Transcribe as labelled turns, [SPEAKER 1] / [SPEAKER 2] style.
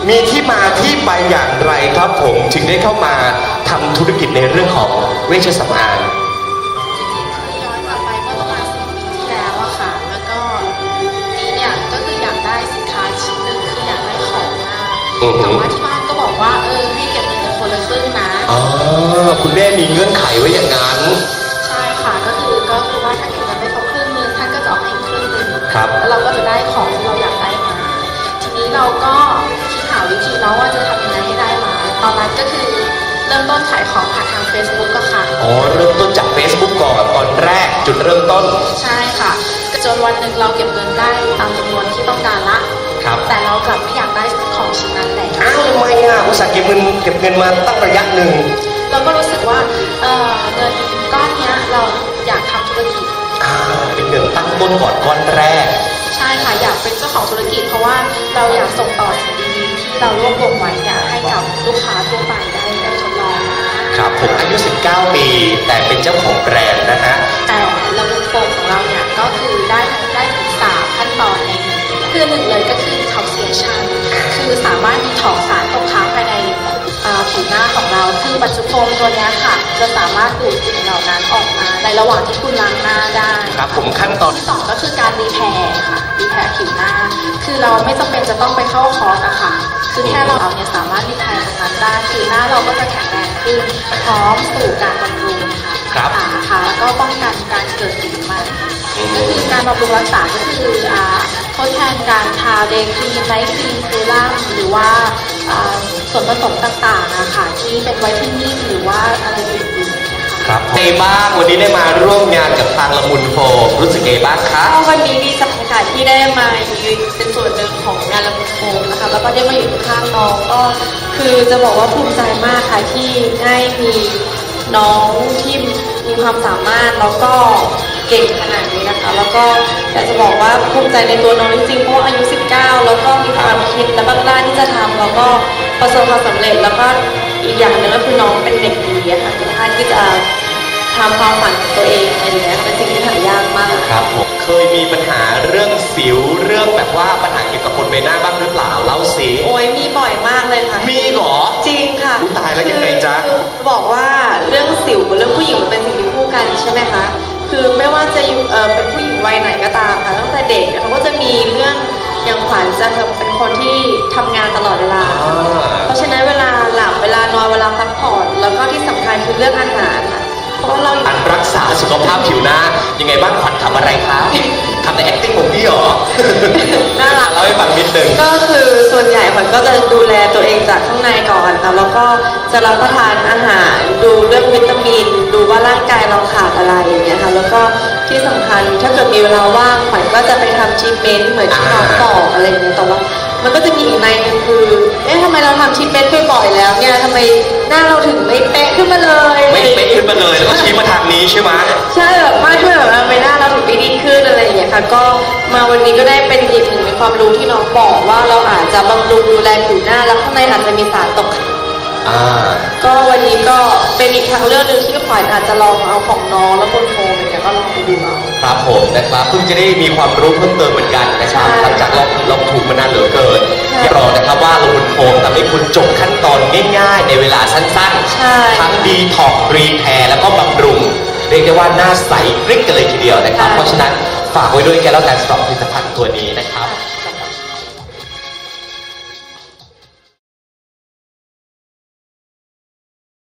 [SPEAKER 1] มีที่มาที่ไปอย่างไรครับผมถึงได้เข้ามาทำธุรกิจในเรื่องของเวชสำอาง
[SPEAKER 2] จริงๆคือย้อนกลับไปเมื่อประมาณ10 ปีที่แล้วอะค่ะ แล้วก็นี่เนี่ยก็คืออยากได้สินค้าชิ้นหนึ่งคืออยากได้ของมากแต่ว่าที่บ้านก็บอกว่าให้เก็บเงินคนละครึ่งนะ
[SPEAKER 1] อ๋อคุณแม่มีเงื่อนไขไว้อย่างนั้น
[SPEAKER 2] ใช่ค่ะก็คือว่าถ้าเก็บเงินได้ครบครึ่งนึงท่านก็จะออกให้อีกครึ่งนึง
[SPEAKER 1] ครับ
[SPEAKER 2] แล้วเราก็จะได้ของที่เราอยากได้มาทีนี้เราก็คิดหาวิธีเนาะว่าจะทำยังไงให้ได้มาตอนนั้นก็คือเริ่มต้นขายของผ่านทาง Facebook ก็ค่ะ
[SPEAKER 1] อ๋อเริ่มต้นจาก Facebook ก่อนตอนแรกจุดเริ่มต้น
[SPEAKER 2] ใช่ค่ะจนวันหนึ่งเราเก็บเงินได้ตามจำนวนที่ต้องการละ
[SPEAKER 1] ครับ
[SPEAKER 2] แต่เรากลับไม่อยากได้ของชิ้นนั้นแล้ว
[SPEAKER 1] อ้าวทำไมอ่ะอุตส่าห์เก็บเงินมาตั้งระยะหนึ่ง
[SPEAKER 2] เราก็รู้สึกว่าเงินก้อนนี้เราอยากทำธุรกิจ
[SPEAKER 1] เป็นเงินตั้งต้นก่อนก้อนแรก
[SPEAKER 2] ใช่ค่ะอยากเป็นเจ้าของธุรกิจเพราะว่าเราอยากส่งต่อสิ่งดีๆที่เรารวบรวมไว้เนี่ยให้กับลูกค้าทั่วไปได้ทดลอง
[SPEAKER 1] ครับผมอายุ19 ปีแต่เป็นเจ้าของแบรนด์นะฮะ
[SPEAKER 2] แต่ระบบโฟมของเราเนี่ยก็คือได้ถึง3 ขั้นตอนเองคือ1เลยก็คือ detoxification คือสามารถดีท็อกซ์สารตกค้างภายในผิวหน้าของเราคือปัจจุบันตัวนี้ค่ะจะสามารถดูดสิ่งเหล่านั้นออกมาในระหว่างที่คุณล้างหน้าได้
[SPEAKER 1] ครับผมขั้นตอน
[SPEAKER 2] ที่2ก็คือการรีแพร์ค่ะรีแพร์ผิวหน้าคือเราไม่จำเป็นจะต้องไปเข้าคอร์สอะค่ะคือแค่เราเนี่ยสามารถรีแพร์ตรงนั้นได้ผิวหน้าเราก็จะแข็งแรงขึ้นพร้อมสู่การบำรุงค่ะค่ะแล้วก็ป้องกันการเกิดสิวใหม่ก็คือการบำรุงรักษาก็คือทดแทนการทาเดย์ครีมไนท์ครีมเซรั่มหรือว่าส่วนผสมต่างๆนะคะที่เป็นไวท์เทนนิ่งหรือว่าอะไรอื่นๆ
[SPEAKER 1] ครับเอบ้างวันนี้ได้มาร่วมงานกับทางละมุนโฟมรู้สึกเอบ้างครับ
[SPEAKER 2] วันนี้ดีใจค่ะที่ได้มายืนเป็นส่วนหนึ่งของงานละมุนโฟมนะคะแล้วก็ได้มาอยู่ข้างน้องก็คือจะบอกว่าภูมิใจมากค่ะที่ได้มีน้องที่มีความสามารถแล้วก็เก่งขนาดนี้นะคะแล้วก็อยากจะบอกว่าภูมิใจในตัวน้องจริงๆเพราะอายุ19แล้วก็มีความคิดและบ้ากล้าที่จะทำแล้วก็ประสบความสำเร็จแล้วก็อีกอย่างหนึ่งก็คือน้องเป็นเด็กดีค่ะสามารถที่จะทำความฝันของตัวเองอะไรอย่างเงี้ยเป็นสิ่งที่หายากมาก
[SPEAKER 1] ครับผมเคยมีปัญหาเรื่องสิวเรื่องแบบว่าปัญหาเกี่ยวกับบนใบหน้าบ้างหรือเปล่าเล่าสิ
[SPEAKER 2] โอ้ยมีบ่อยมากเลยค่ะ
[SPEAKER 1] มีหรอ
[SPEAKER 2] จริงค่ะ
[SPEAKER 1] ตายแล้วยังไงจ๊ะ
[SPEAKER 2] บอกว่าเรื่องสิวกับเรื่องผู้หญิงมันเป็นสิ่งที่คู่กันใช่ไหมคะคือไม่ว่าจะเป็นผู้หญิงวัยไหนก็ตามค่ะตั้งแต่เด็กเขาก็จะมีเรื่องอย่างขวัญจะเป็นคนที่ทำงานตลอดเวลาเพราะฉะนั้นเวลาหลับเวลานอนเวลาพักผ่อนแล้วก็ที่สำคัญคือเรื่องอาหารเพราะเรา
[SPEAKER 1] การรักษาสุขภาพผิวหน้ายังไงบ้างขวัญทำอะไรครับทำใน acting ของพี่หรอ
[SPEAKER 2] น่ารัก
[SPEAKER 1] เล่าให้ฟังนิดนึง
[SPEAKER 2] ก็คือส่วนใหญ่ขวัญก็จะดูแลตัวเองจากข้างในก่อนค่ะแล้วก็จะรับประทานอาหารดูเรื่องวิตามินดูว่าร่างกายเราขาดอะไรอย่างเงี้ยค่ะแล้วก็ที่สำคัญถ้าเกิดมีเวลาว่างขวัญก็จะไปทำทรีทเมนต์เหมือนที่น้องบอกอะไรอย่างเงี้ยแต่ว่ามันก็จะมีอีกในนึงคือทำไมเราทำทรีทเมนต์บ่อยๆแล้วเนี่ยทำไมหน้าเราถึงไม่เป๊ะขึ้นมาเลย
[SPEAKER 1] ไม่เป๊ะขึ้นมาเลยแล้วก็ชี้มาทางนี้ใช่ไหม
[SPEAKER 2] ใช่แบบมากด้วยแบบใบหน้าเราถึงไม่ดีขึ้นอะไรอย่างเงี้ยค่ะก็มาวันนี้ก็ได้เป็นอีกหนึ่งในความรู้ที่น้องบอกว่าเราอาจจะบำรุงดูแลผิวหน้าแล้วข้างในอาจจะมีสารตกค้างก็วันนี้ก็เป็นอีกทางเลือกหนึ่งที่ขวัญอาจจะลองเอาของน้องแล้วบนโฟมเนี่ยก็ลองไปดูเอา
[SPEAKER 1] ครับผมนะครับเพิ่งจะได้มีความรู้เพิ่มเติมเหมือนกันนะครับหลังจากลองถูกมานานเหลือเกินอย่ารอนะครับว่าละมุนโฟมทำให้คุณจบขั้นตอนง่ายๆในเวลาสั้นๆทั้งดีท็อกรีแพร์แล้วก็บำรุงเรียกได้ว่าหน้าใสกริ๊กกันเลยทีเดียวนะครับเพราะฉะนั้นฝากไว้ด้วยแกแล้วกันสำหรับผลิตภัณฑ์ตัวนี้นะครับ